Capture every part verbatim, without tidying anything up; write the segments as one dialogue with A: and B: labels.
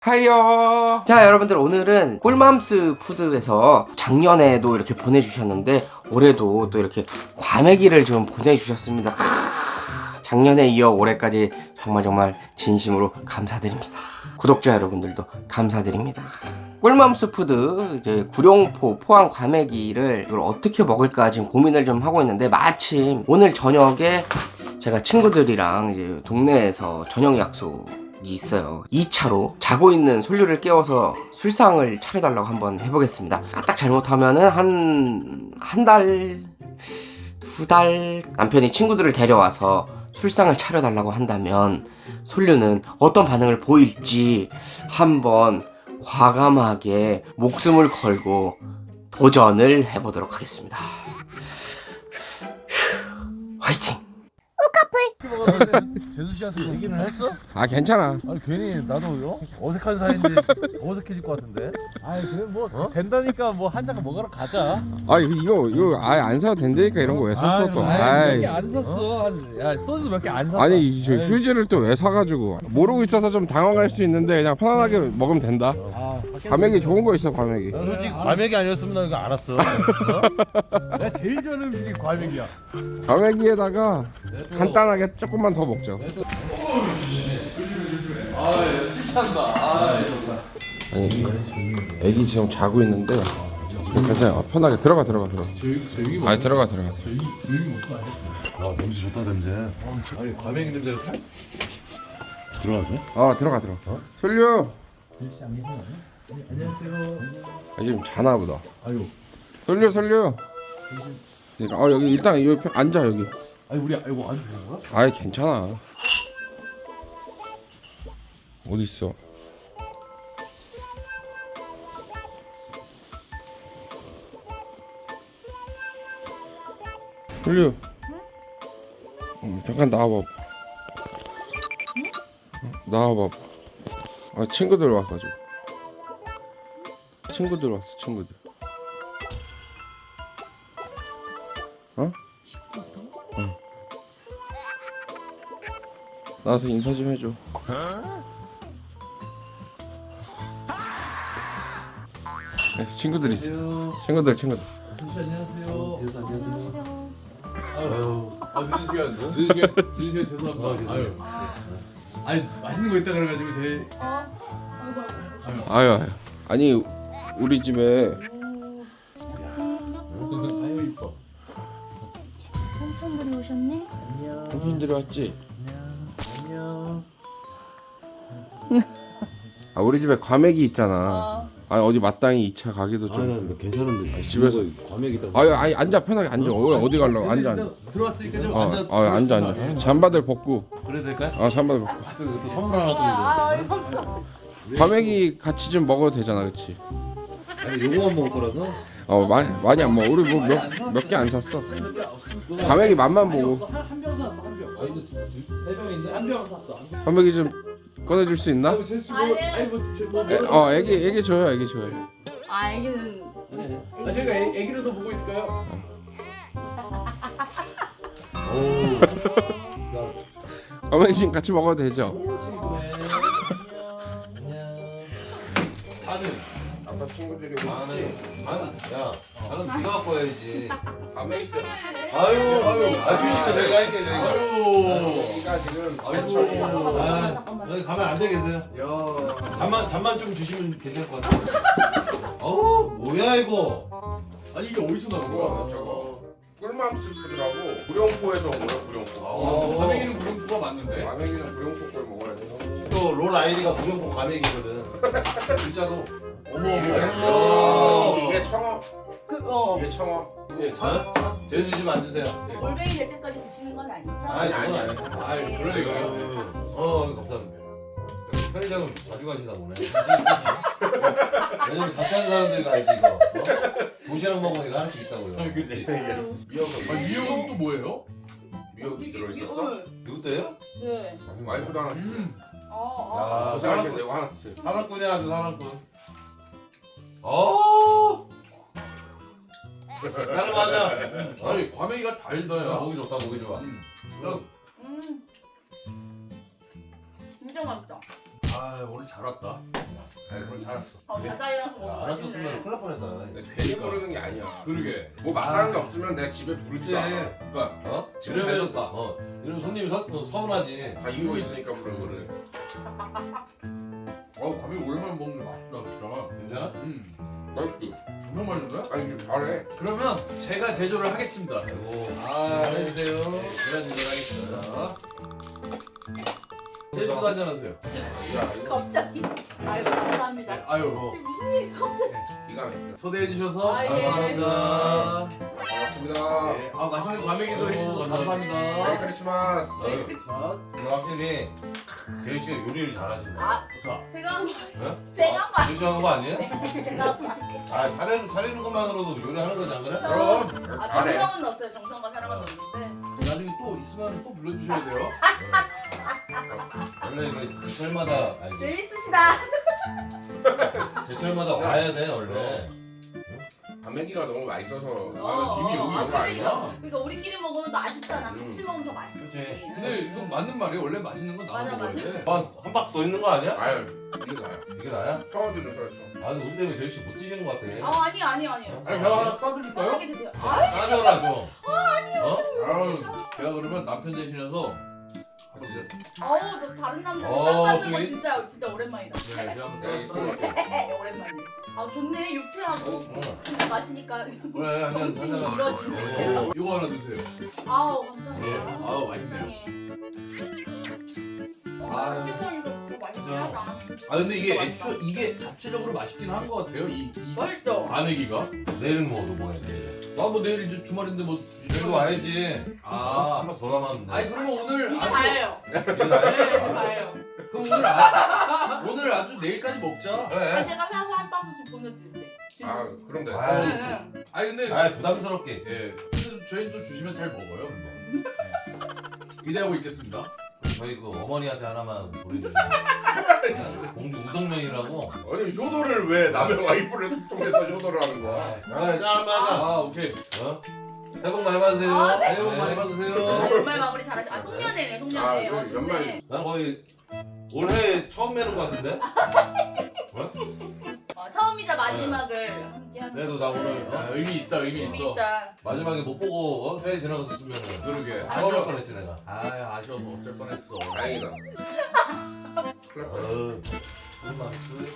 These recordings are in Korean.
A: 하이요. 자, 여러분들, 오늘은 꿀맘스 푸드에서 작년에도 이렇게 보내주셨는데 올해도 또 이렇게 과메기를 좀 보내주셨습니다. 크으, 작년에 이어 올해까지 정말 정말 진심으로 감사드립니다. 구독자 여러분들도 감사드립니다. 꿀맘스 푸드 이제 구룡포 포항 과메기를 이걸 어떻게 먹을까 지금 고민을 좀 하고 있는데, 마침 오늘 저녁에 제가 친구들이랑 이제 동네에서 저녁 약속 이 있어요. 이 차로 자고 있는 솔류를 깨워서 술상을 차려달라고 한번 해보겠습니다. 딱 잘못하면은 한 한 달, 두 달 남편이 친구들을 데려와서 술상을 차려달라고 한다면 솔류는 어떤 반응을 보일지 한번 과감하게 목숨을 걸고 도전을 해보도록 하겠습니다. 화이팅!
B: 재수 씨한테 얘기는 했어?
A: 아, 괜찮아.
B: 아니 괜히 나도 어색한 사이인데 더 어색해질 것 같은데.
C: 아이 그래 뭐
B: 어?
C: 된다니까 뭐 한 잔 먹으러 가자.
A: 아, 이거 이거 아예 안 사도 된다니까 이런 거 왜 샀어 또?
C: 아이
A: 아이.
C: 몇 개 안 샀어. 한, 야 소주 몇 개 안 샀어.
A: 아니, 저 휴지를 또 왜 사가지고 모르고 있어서 좀 당황할 수 있는데 그냥 편안하게 먹으면 된다.
C: 아,
A: 과메기 좋은 거 있어, 과메기.
B: 난 솔직히 과메기 아니었으면 나 이거 안 왔어. 어?
C: 내가 제일 좋아하는 음식이 과메기야.
A: 과메기에다가 간단하게 조금만 더 먹죠. 아니, 애기 지금 자고 있는데 괜찮아. 편하게 들어가 들어가 들어가. 아니, 들어가 들어가.
B: 아 냄새 좋다 냄새. 아니 과메기 냄새가 살. 들어가도 돼?
A: 어, 들어가 들어가. 솔류.
C: 안녕하세요.
A: 아, 지금 자나 보다.
C: 아유,
A: 솔류 솔류. 그러니까 어 여기 일단 여기 펴- 앉아 여기.
C: 아니 우리 아이고 안 되는 거야?
A: 아이, 괜찮아. 어디 있어? 솔류. 응? 잠깐 나와봐. 응? 나와봐. 아, 친구들 와가지고. 친구들 왔어, 친구들. 어? 응. 나와서 인사 좀 해줘. 네, 친구들 있어. 친구들, 친구들.
C: 조씨 안녕하세요.
B: 재수 안녕하세요.
C: 아유, 아 늦은 시간, 늦은 시간, 늦은 시간 죄송합니다. 아유, 아니 맛있는 거 있다 그래가지고 저희.
A: 아유, 아유. 아니, 우리 집에
C: 아유 이뻐.
D: 삼촌들이 오셨네?
A: 손님들이 왔지?
B: 안녕.
A: 아, 우리 집에 과메기 있잖아. 아니, 어디 마땅히 이 차 가기도 좀.
B: 아나 괜찮은데.
A: 집에서
B: 과메기다.
A: 아유, 아니, 앉아, 편하게 앉아. 어, 어디 가려고? 앉아, 앉아.
C: 들어왔으니까 좀
A: 어,
C: 앉아.
A: 어, 앉아, 앉아. 잠바들 벗고.
B: 그래 될까요?
A: 어, 잠바들 벗고.
B: 또, 또 선물 하나 또
A: 과메기 같이 좀 먹어도 되잖아, 그치?
B: 이거. 아니 요거만 먹을 거라서.
A: 어, 많이 많이 안 먹어. 우리 뭐 몇 몇 개 안 샀어. 과메기 맛만 보고.
C: 한병 샀어 한 병.
B: 아니 세 병인데?
C: 한 병 샀어. 한 병.
A: 과메기 좀 꺼내줄 수 있나?
C: 아이고 제수 뭐, 아니 뭐뭐
A: 에, 어, 애기 애기 줘요, 애기 줘요.
D: 아, 애기는
C: 아 제가 애, 애기를 더 보고 있을까요?
A: 과메기 지금 같이 먹어도 되죠?
C: 자는.
A: 아빠 친구들이
B: 나는 나는 야 나는 네가 갖고 와야지.
A: 과메기.
B: 아유 아유 아 주식도 내가 할게 내가.
C: 아유.
A: 애기가 지금
C: 아이고.
D: 잠깐만
B: 아,
D: 잠깐만 잠깐만
B: 여기 가면 안 되겠어요?
C: 야.
B: 잠만 잠만 좀 주시면 괜찮을 것 같아요. 어우 뭐야 이거?
C: 아니 이게 어디서 나온 거야?
A: 저거. 꿀맘스 푸드라고 구룡포에서 온 거야, 구룡포.
C: 어, 과메기는 그런 거가 맞는데.
A: 과메기는 구룡포 걸 먹어야 돼.
B: 또 롤 아이디가 무용포 과메기거든. 진짜로.
C: 어머
A: 어,
C: 어머.
A: 이게 청어.
D: 그, 어
A: 이게 청어.
C: 예, 자.
B: 제수 좀 앉으세요.
D: 올뱅이 될 때까지 드시는 건 아니죠?
B: 아니 아니 아니.
C: 아이 그럴 리가요.
B: 어 감사합니다. 편의점을 자주 가시나 보네. 왜냐면 자취하는 사람들 가야지 이거. 어? 도시락 먹으면 이거 하나씩 있다고요.
C: 아, 그치.
A: 미역은
C: 아 미역은 또 뭐예요?
A: 미역이 들어있었어?
B: 이것도요?
D: 네
A: 와이프도 하나 주세요.
C: 음.
D: 어어
B: 야
A: 고생하시는데 이거 하나 주세요.
B: 사랑꾼이야 아주 사랑꾼. 어. 나는 맞아.
C: 아니 과메기가 달다
B: 야,
C: 야.
B: 보기 좋다 보기 좋아.
C: 야,
D: 음 진짜 맛있다
C: 아 오늘 잘 왔다. 아 오늘 잘 왔어.
D: 어, 바다이라서
B: 야,
D: 먹으면
B: 안 왔었으면
D: 맛있네.
B: 큰일 날 뻔했다.
A: 내가 괜히 부르는 게 아니야.
C: 그러게.
A: 뭐 말하는 게 없으면 내가 집에 부르지도 않아.
C: 그러니까
B: 어?
C: 지금
B: 이러면
C: 잘 줬다.
B: 어, 이러면 손님이 서, 어, 서운하지.
A: 다 이유가 있으니까 부르는 거를.
C: 어 과메기 오랜만에 먹는데 맛있다 진짜.
B: 괜찮아?
C: 음.
A: 맛있지?
C: 정말 맛있는데?
A: 아니 이거 잘해.
C: 그러면 제가 제조를 하겠습니다.
B: 아이고.
C: 아,
B: 잘해주세요.
C: 제가 제조를 하겠습니다. 제주도 한잔 하세요.
A: 야 이거
D: 갑자기. 아이고 감사합니다.
C: 네, 아유
D: 이게 무슨 일이 갑자기?
A: 기가 막혀.
C: 초대해 주셔서
D: 아, 예.
C: 감사합니다.
A: 반갑습니다.
C: 네, 아 맛있는 과메기도 해주셔서
A: 메리
C: 감사합니다.
A: 크리스마스.
C: 네, 크리스마스.
B: 근데 확실히 재희 씨가 요리를 잘하신다.
D: 아
C: 자,
D: 제가 한 거.
B: 네?
D: 제가 한 거.
B: 재희 씨가 한거 아니에요?
D: 아니에요. 제가 한 거. 아니에요.
B: 아, 차리는, 차리는 것만으로도 요리하는 거지 안 그래?
C: 그럼
D: 아
A: 잘해.
D: 정성은 넣었어요. 정성과 사랑은 넣었는데.
C: 나중에 또 있으면 또 불러주셔야 돼요.
B: 원래 이거 제철마다 아니
D: 재밌으시다.
B: 제철마다 와야 돼 원래.
A: 과메기가 너무 맛있어서.
C: 아, 김이 여기
D: 아,
C: 있는 거 아니야?
D: 그러니까, 그러니까 우리끼리 먹으면 또 아쉽잖아.
C: 음.
D: 같이 먹으면 더 맛있지.
B: 그치.
C: 근데 이거 맞는 말이에요. 원래 맛있는 건 나만
D: 맞아,
C: 먹어야
D: 맞아.
C: 돼.
B: 한, 한 박스 더 있는 거 아니야?
A: 아유 이게 나야.
B: 이게 나야?
A: 샤워들은 그렇죠.
B: 아 근데 우리 때문에 재희 씨 못 드시는 것 같아.
D: 아 아니요 아니요 아니요.
C: 아니 제가 하나 까드릴까요?
D: 하게 드세요. 아
B: 따져라 좀. 어?
C: 아유, 제가 그러면 남편 대신해서
D: 어우 너 다른 남자들
B: 어,
D: 싹 가는 거
B: 스윗.
D: 진짜 진짜 오랜만이다.
C: 네, 제가
A: 야
C: 한번
A: 이거
C: 까드릴게요.
D: 오랜만이네. 아 좋네 유쾌하고
B: 응.
D: 진짜 마시니까
B: 그래 한잔
D: 정신이
B: 한잔.
D: 이뤄지네.
B: 어.
C: 이거 하나 드세요.
D: 아우 감사합니다.
C: 네, 아우, 맛있네요.
D: 아 치킨 이거 맛있긴
B: 진짜.
D: 하다.
C: 아 근데 이게 애초 이게 자체적으로 맛있긴 한 것 같아요. 이, 이
D: 맛있죠.
C: 과메기가.
B: 내일은 뭐또 뭐야 내일?
C: 나뭐 내일 이제 주말인데 뭐.
B: 내일도 와야지.
C: 아.
B: 한 박스 더 남았는데.
C: 아니 그러면 오늘
D: 이게
C: 아주-
D: 다예요.
B: 이게
D: 네
B: 나야?
D: 이게 다예요.
C: 그럼 오늘 아, 오늘 아주 내일까지 먹자.
D: 아
B: 그래.
D: 제가 사서 한 박스씩 보내드릴게요. 지금.
A: 아 그럼 돼.
B: 아유,
D: 네, 네.
C: 아니 근데
B: 아 부담스럽게.
C: 예, 근데 저희 또 주시면 잘 먹어요. 근데. 네. 기대하고 있겠습니다.
B: 저희 그 어머니한테 하나만 보내주세요. 공주 우성면이라고.
A: 아니 효도를 왜 남의 와이프를 통해서 효도를 하는 거야?
B: 아, 짠 맞아.
C: 아 오케이.
B: 어? 새해 복 많이 받으세요.
D: 아,
C: 새해 복 많이
D: 아,
C: 받으세요.
D: 연말 마무리 잘하시. 아 송년회네 송년회.
A: 아,
D: 어,
A: 그 연말.
D: 좋네.
B: 난 거의 올해 처음 뵈는 것 같은데?
D: 어, 처음이자 마지막을 함께하는.
B: 그래도 나 오늘
C: 아,
B: 어?
C: 의미 있다 의미
D: 의미
C: 있어.
D: 있다.
B: 마지막에 못 보고 어? 새해 지나갔었으면
C: 그러게.
B: 아쉬울
C: 아쉬워.
B: 뻔했지 내가.
C: 아 아쉬워서 어쩔 뻔했어.
A: 다행이다. 큰일 날 뻔했어.
B: 어, 술만 술.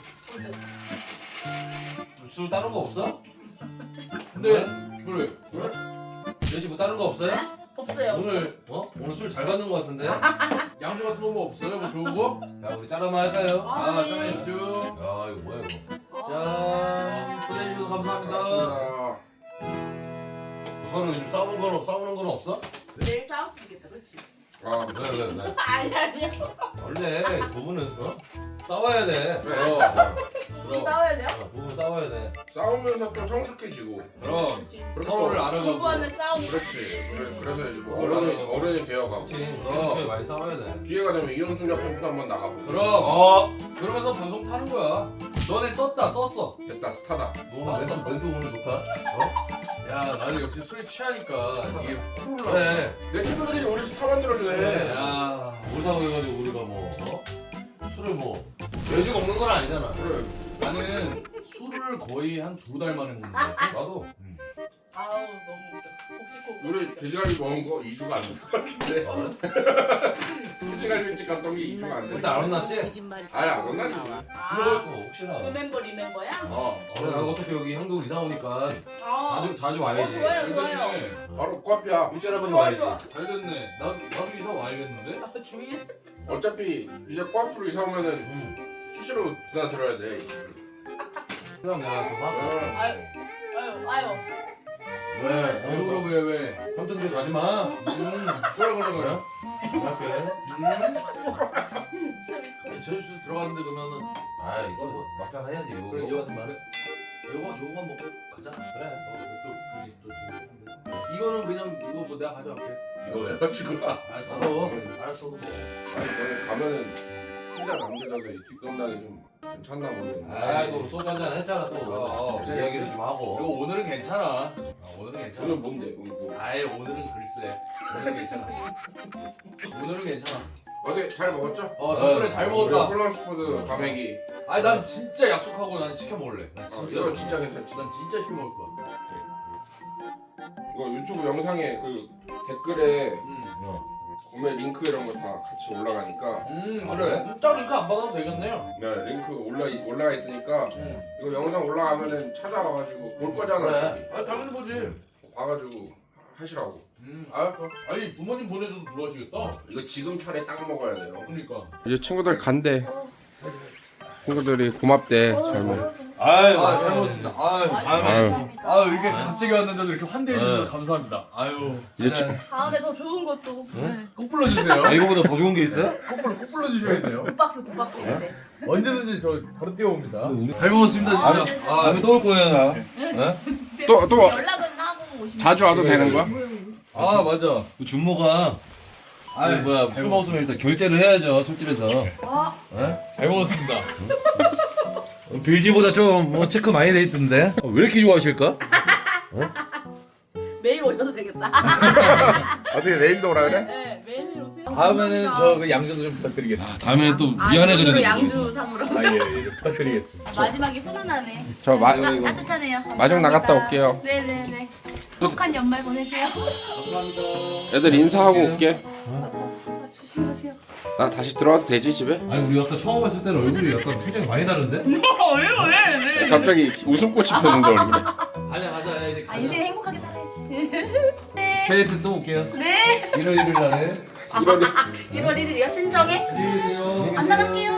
B: 술 다른 거 없어?
C: 근데 그래.
B: 술? 예시 뭐 다른 거 없어요?
D: 없어요.
B: 오늘 어? 오늘 술 잘 받는 거 같은데? 야
C: 양주 같은 거 뭐 없어요? 뭐 좋은 거?
B: 우리 짤 한번 할까요?
C: 아
D: 네.
C: 짠해주죠.
B: 야 이거 뭐야 이거?
C: 짠. 초대해주셔서 감사합니다.
A: 고맙습니다.
B: 서로 요즘 싸우는 건 싸우는 건 없어?
D: 내일 싸울 수 있겠다, 그렇지?
A: 아
B: 왜 왜 왜?
D: 아니 아니요.
B: 원래 부부는 어? 싸워야 돼.
A: 그래.
B: 어,
D: 우리 싸워야 돼요?
B: 어, 부부 싸워야 돼.
A: 싸우면서 또 성숙해지고.
C: 그럼
D: 그렇지.
A: 그렇게
C: 서로를
A: 또-
C: 알아가고.
D: 공부하면 싸우고.
A: 그렇지. 그래, 그래서 이제 뭐
C: 그럼.
A: 어른이 어른이 되어가고.
B: 그렇지.
C: 어.
B: 그렇게 많이 싸워야 돼.
A: 기회가 되면 이영순 옆에도 한번 나가고.
C: 그럼
B: 어.
C: 그러면서 방송 타는 거야. 너네 떴다 떴어.
A: 됐다 스타다.
B: 너 멘트 멘트 오늘 좋다. 어?
C: 야 나는 역시 술이 취하니까 이게 풀 올라.
B: 그래.
A: 내 친구들이 우리 스타 만들어주네.
B: 그래.
C: 야.
B: 오다고 해가지고 우리가 뭐 어? 술을 뭐 매주 먹는 건 아니잖아.
A: 그래.
C: 나는 술을 거의 한 두 달 만에 먹는 거 같아.
B: 나도.
D: 아우 너무 웃겨. 혹시 그
A: 우리 돼지갈비 먹은 거 이 주가 안 된 것 같은데.
B: 어?
A: 돼지갈비집 갔던 게 이 주가 안 돼.
B: 근데 안 혼났지?
A: 아니 안 혼나지.
D: 아,
B: 그거 혹시나.
D: 리멤버 리멤버야?
A: 어.
B: 어, 나 어차피 여기 형도 이사 오니까
D: 아.
B: 자주 자주
D: 어,
B: 와야지.
D: 좋아요
C: 잘
D: 좋아요.
C: 됐네.
A: 바로 꽈피야.
B: 일주일에 한 번
D: 좋아,
B: 와야지.
D: 좋아.
C: 잘 됐네. 나 나도 이사 와야겠는데.
D: 아, 주일?
A: 어차피 이제 꽈프로 이사 오면은
B: 응.
A: 수시로 다 들어야 돼.
B: 그럼 내가 좀 하고.
A: 어.
D: 아유 아유 아유.
C: 왜? 왜 그러 왜 왜?
B: 삼촌들 가지 마.
C: 음. 술 그런 거야?
B: 할게.
C: 음. 제주도 들어갔는데 그러면은
B: 아 이거 뭐 막장 해야지. 이거
C: 그래
B: 이거
C: 이거 말해. 요거 요거만 먹고 가자.
B: 그래.
C: 또 그게 또 재밌는데. 이거는 그냥 이거 뭐 내가 가져갈게.
A: 이거 왜 가지고 와?
C: 알았어.
B: 어.
C: 알았어. 뭐.
A: 아니 너네 가면은 혼자 남겨져서 이 뒷동산이 좀 괜찮나 모르겠네.
B: 아 이거 소주 한잔 했잖아 또.
C: 어, 어.
B: 이제 이야기를 좀
C: 이거
B: 하고.
C: 오늘은 괜찮아. 아, 오늘은 괜찮아.
A: 오늘 뭔데? 오늘 뭐?
C: 아예 오늘은 글쎄. 오늘은 괜찮아. 오늘은 괜찮아.
A: 어제 잘 먹었죠?
C: 어 덕분에 잘 먹었다.
A: 꿀맘스 푸드 과메기.
C: 아니 난 진짜 약속하고 난 시켜 먹을래. 난
A: 어,
C: 진짜.
A: 이거 진짜 괜찮지.
C: 난 진짜 시켜 먹을 거야.
A: 이거 유튜브 영상에 그 댓글에
C: 음.
A: 구매 링크 이런 거 다 같이 올라가니까.
C: 음 그래. 딱 링크 안 받아도 되겠네요.
A: 네, 링크 올라 올라가 있으니까
C: 음.
A: 이거 영상 올라가면은 찾아와가지고 볼 거잖아.
C: 그래. 아 당연히 보지.
A: 봐가지고 하시라고.
C: 음 알았어. 아니 부모님 보내줘도 좋아하시겠다.
A: 이거 지금 차례 딱 먹어야 돼요.
C: 그러니까.
A: 이제 친구들 간대. 친구들이 고맙대. 잘 먹.
B: 아유.
C: 아 잘 먹었습니다. 아유.
A: 아유.
C: 아유 이렇게 갑자기 왔는데도 이렇게 환대해 주셔서 감사합니다. 아유.
A: 이제
C: 이제
D: 다음에 더 좋은 것도. 네.
C: 꼭 불러주세요.
B: 아 이거보다 더 좋은 게 있어요?
C: 꼭 불러 꼭 불러주셔야 돼요.
D: 두 박스 두 박스 이제.
C: 언제든지 저 바로 뛰어옵니다. 잘 먹었습니다 진짜. 아,
B: 다음에 또 올 거예요 나.
A: 또- 또
D: 연락은 하고 오시면.
A: 자주 와도 되는 거야?
C: 아 맞아.
B: 그 준모가 아 뭐야 술 먹었으면 일단 결제를 해야죠 술집에서.
D: 아,
C: 잘 먹었습니다.
B: 빌지보다 좀 뭐 체크 많이 돼 있던데. 어, 왜 이렇게 좋아하실까?
D: 매일 오셔도 되겠다.
A: 어떻게 내일도 오라 그래?
D: 네, 매일 매일 오세요.
C: 다음에는 저 그 양주도 좀 부탁드리겠습니다.
B: 다음에는 또
D: 아,
B: 미안해가지고.
D: 오늘은 양주 삼으로.
C: 아 예, 예, 좀 부탁드리겠습니다.
D: 아, 마지막에 훈훈하네.
A: 저 마,
D: 따뜻하네요.
A: 마중 나갔다 올게요.
D: 네네네. 행복한 연말 보내세요.
C: 감사합니다.
A: 애들 인사하고 올게.
D: 아, 조심하세요.
A: 나 다시 들어와도 되지 집에?
B: 아니 우리 아까 처음 봤을 때는 얼굴이 약간 표정이 많이 다른데?
D: 왜 왜? 왜?
A: 갑자기 웃음꽃이 폈는데 얼굴에.
C: 가자 가자 이제
D: 아
C: 가자.
D: 인생 행복하게 살아야지. 네.
B: 최애 때또 올게요.
D: 네.
B: 일월 일일 날에.
A: 이러니
D: 일월 일일이요 신정에?
C: 안녕히 계세요.
D: 안 나갈게요.